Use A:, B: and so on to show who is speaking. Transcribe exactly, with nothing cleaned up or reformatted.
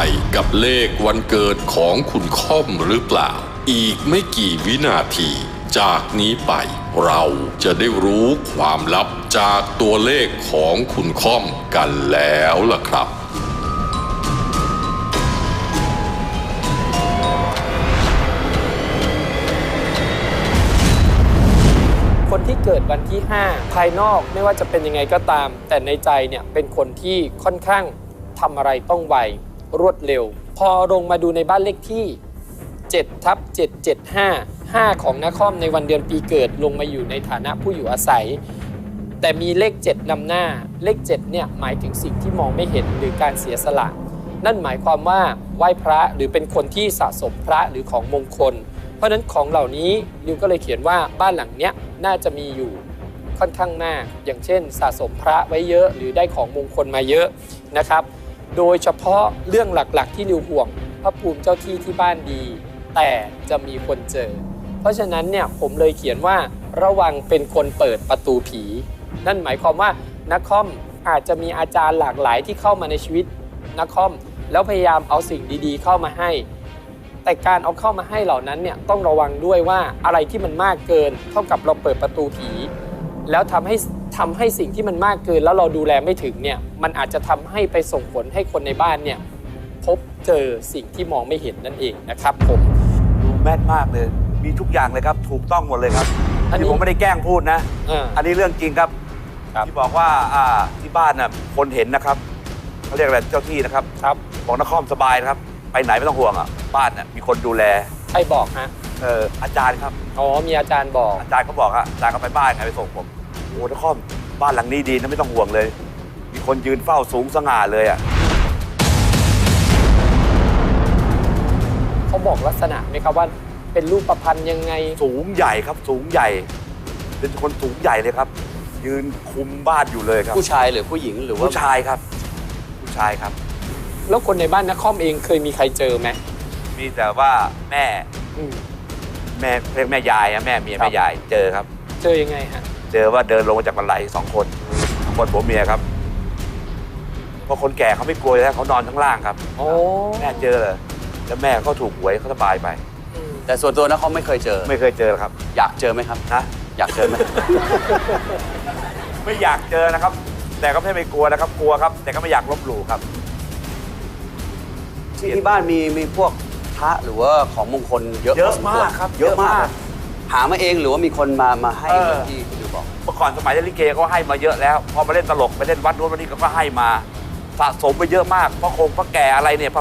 A: กับเลขวันเกิดของคุณค่อมหรือเปล่าอีกไม่กี่วินาทีจากนี้ไปเราจะได้รู้ความลับจากตัวเลขของคุณค่อมกันแล้วล่ะครับ
B: คนที่เกิดวันที่ห้าภายนอกไม่ว่าจะเป็นยังไงก็ตามแต่ในใจเนี่ยเป็นคนที่ค่อนข้างทำอะไรต้องไวรวดเร็วพอลงมาดูในบ้านเลขที่เจ็ดทับเจ็ดเจ็ดห้า ห้าของนครในวันเดือนปีเกิดลงมาอยู่ในฐานะผู้อยู่อาศัยแต่มีเลขเจ็ดนำหน้าเลขเจ็ดเนี่ยหมายถึงสิ่งที่มองไม่เห็นหรือการเสียสละนั่นหมายความว่าไหว้พระหรือเป็นคนที่สะสมพระหรือของมงคลเพราะฉะนั้นของเหล่านี้นิวก็เลยเขียนว่าบ้านหลังเนี้ยน่าจะมีอยู่ค่อนข้างมากอย่างเช่นสะสมพระไว้เยอะหรือได้ของมงคลมาเยอะนะครับโดยเฉพาะเรื่องหลักๆที่นิวห่วงพระภูมิเจ้าที่ที่บ้านดีแต่จะมีคนเจอเพราะฉะนั้นเนี่ยผมเลยเขียนว่าระวังเป็นคนเปิดประตูผีนั่นหมายความว่านักคอมอาจจะมีอาจารย์หลากหลายที่เข้ามาในชีวิตนักคอมแล้วพยายามเอาสิ่งดีๆเข้ามาให้แต่การเอาเข้ามาให้เหล่านั้นเนี่ยต้องระวังด้วยว่าอะไรที่มันมากเกินเท่ากับเราเปิดประตูผีแล้วทำให้ทำให้สิ่งที่มันมากเกินแล้วเราดูแลไม่ถึงเนี่ยมันอาจจะทำให้ไปส่งผลให้คนในบ้านเนี่ยพบเจอสิ่งที่มองไม่เห็นนั่นเองนะครับผม
C: ดูแม่นมากเลยมีทุกอย่างเลยครับถูกต้องหมดเลยครับอันนี้ผมไม่ได้แกล้งพูดนะ อ, อันนี้เรื่องจริงครับที่บอกว่าอ่าที่บ้านน่ะคนเห็นนะครับเขาเรียกอะไรเจ้าที่นะครับครับบอกนครสบายนะครับไปไหนไม่ต้องห่วงอ่ะบ้านน่ะมีคนดูแล
B: ใครบอกฮะ
C: เอออาจารย์ครับ
B: อ๋อมีอาจารย์บอก
C: อาจารย์เขาบอกฮะอาจารย์เขาไปบ้านไงไปส่งผมโอ้นครบ้านหลังนี้ดีนะไม่ต้องห่วงเลยมีคนยืนเฝ้าสูงสง่าเลยอ่ะ
B: เขาบอกลักษณะไหมครับว่าเป็นรูปประพันธ์ยังไง
C: สูงใหญ่ครับสูงใหญ่เป็นคนสูงใหญ่เลยครับยืนคุมบ้านอยู่เลยครับ
D: ผู้ชายหรือผู้หญิงหรือว่า
C: ผู้ชายครับผู้ชายครับ
B: แล้วคนในบ้านนักคอมเองเคยมีใครเจอไหม
C: มีแต่ว่าแม่แม่เรียกแม่ยายนะแม่เมียแม่ยายเจอครับ
B: เจอยังไงฮะ
C: เจอว่าเดินลงมาจากบันไดสองคนคนผัวเมียครับเพราะคนแก่เขาไม่กลัวแล้วเขานอนข้างล่างครับ
B: โอ้
C: แม่เจอเลยแล้วแม่เขาถูกหวยเขาสบายไป
D: แต่ส่วนตัวนะเขาไม่เคยเจอ
C: ไม่เคยเจอครับ
D: อยากเจอไหมครับ
C: นะ
D: อยากเจอไหม
C: ไม่อยากเจอนะครับแต่ก็ไม่ไม่กลัวนะครับกลัวครับแต่ก็ไม่อยากลบหลู่ครับ
D: ที่ที่บ้านมีมีพวกพระหรือว่าของมงคลเยอะ
C: เยอะมากครับ
D: เยอะมากหามาเองหรือว่ามีคนมามาให้ที่คุณดูบอก
C: เมื่อก่อนสมัยเล่นลิเกเขาให้มาเยอะแล้วพอมาเล่นตลกไปเล่นวัดนู้นวันนี้ก็ให้มาสะสมไปเยอะมากเพราะคงพระแก่อะไรเนี่ย